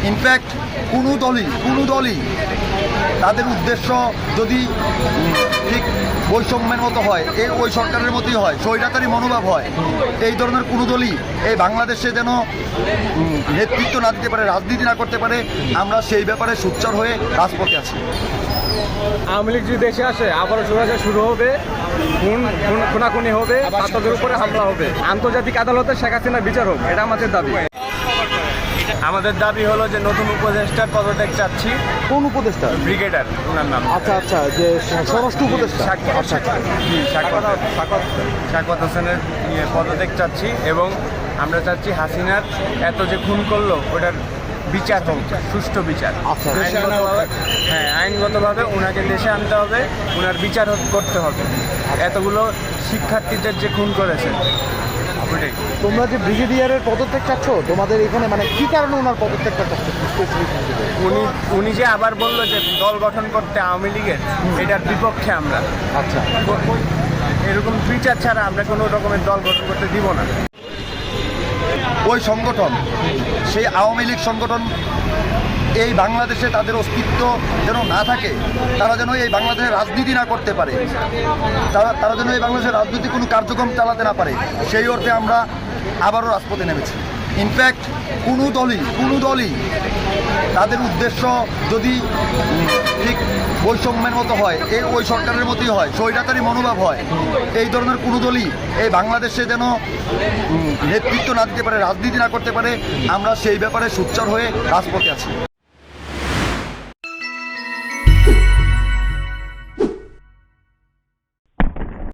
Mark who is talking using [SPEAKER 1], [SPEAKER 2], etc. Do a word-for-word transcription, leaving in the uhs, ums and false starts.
[SPEAKER 1] In fact কোনো দলই কোনো দলই তাদের উদ্দেশ্য যদি ঠিক বৈষম্যের মতো হয়, এই ওই সরকারের মতোই হয়, স্বৈরাচারী মনোভাব হয়, এই ধরনের কোনো দলই এই বাংলাদেশে যেন নেতৃত্ব না দিতে পারে, রাজনীতি না করতে পারে, আমরা সেই ব্যাপারে সোচ্চার হয়ে রাজপথে আছি।
[SPEAKER 2] আওয়ামী লীগ যদি দেশে আসে আবারও স্বৈরাচার শুরু হবে, খুন খুনাখুনি হবে, ছাত্রদের উপরে হামলা হবে, আন্তর্জাতিক আদালতে শেখ হাসিনার বিচার হোক, এটা আমাদের দাবি।
[SPEAKER 3] আমাদের দাবি হলো যে নতুন উপদেষ্টার পদত্যাগ চাচ্ছি।
[SPEAKER 1] কোন উপদেষ্টা?
[SPEAKER 3] ব্রিগেডার ওনার নাম।
[SPEAKER 1] আচ্ছা আচ্ছা, যে স্বরাষ্ট্র উপদেষ্টা।
[SPEAKER 3] আচ্ছা শাকওয়াত হোসেনের ইয়ে পদত্যাগ চাচ্ছি এবং আমরা চাচ্ছি হাসিনার এত যে খুন করলো ওটার বিচার হোক, সুষ্ঠু বিচার। আইনগতভাবে হ্যাঁ আইনগতভাবে ওনাকে দেশে আনতে হবে, ওনার বিচার করতে হবে। এতগুলো শিক্ষার্থীদের যে খুন করেছে ওটাই।
[SPEAKER 1] তোমরা যে ব্রিগেডিয়ারের পদত্যাগ চাচ্ছ, তোমাদের এখানে মানে কি কারণে ওনার পদত্যাগটা চাচ্ছ?
[SPEAKER 3] উনি উনি যে আবার বললো যে দল গঠন করতে আওয়ামী লীগের, এটার বিপক্ষে আমরা।
[SPEAKER 1] আচ্ছা,
[SPEAKER 3] এরকম বিচার ছাড়া আমরা কোনো রকমের দল গঠন করতে দিব না।
[SPEAKER 1] ওই সংগঠন, সেই আওয়ামী লীগ সংগঠন এই বাংলাদেশে তাদের অস্তিত্ব যেন না থাকে, তারা যেন এই বাংলাদেশে রাজনীতি না করতে পারে, তারা তারা যেন এই বাংলাদেশের রাজনীতি কোনো কার্যক্রম চালাতে না পারে, সেই অর্থে আমরা আবারও রাজপথে নেমেছি। ইনফ্যাক্ট কোনো দলই কোনো দলই তাদের উদ্দেশ্য যদি ঠিক বৈষম্যের মতো হয়, এই ওই সরকারের মতোই হয়, স্বৈরাচারী মনোভাব হয়, এই ধরনের কোনো দলই এই বাংলাদেশে যেন নেতৃত্ব না দিতে পারে, রাজনীতি না করতে পারে, আমরা সেই ব্যাপারে সোচ্চার হয়ে রাজপথে আছি।